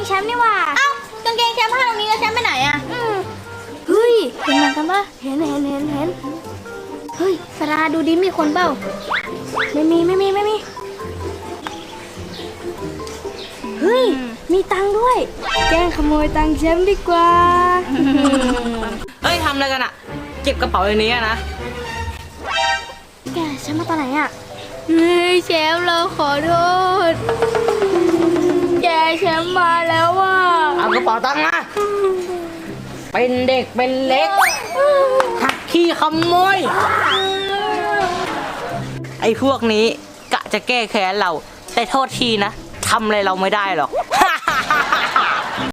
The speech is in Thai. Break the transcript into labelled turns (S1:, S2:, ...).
S1: แชมป์นี่หว่า
S2: เอ้ากางเกงแชมป์ผ้าตรงนี้แล้วแชมป์ไปไหนอะ
S1: เฮ้ยเห็นเหมือนกันปะเห็นเฮ้ยสราดูดิมีคนเปล่าไม่มีเฮ้ยมีตังค์ด้วยแกล้งขโมยตังค์แชมป์ดีกว่า
S3: เฮ้ยทำอะไรกันอะเก็บกระเป๋าในนี้อะนะ
S1: แกแชมป์มาตอนไหนอ่ะเฮ้ยแชมป์เราขอโทษแกแชมป์มาแล้วว่ะ
S3: เอากระเป๋าตังค์มาเป็นเด็กเป็นเล็กหักขี้ขโมยไอ้พวกนี้กะจะแก้แค้นเราแต่โทษทีนะทำอะไรเราไม่ได้หรอกฮ่า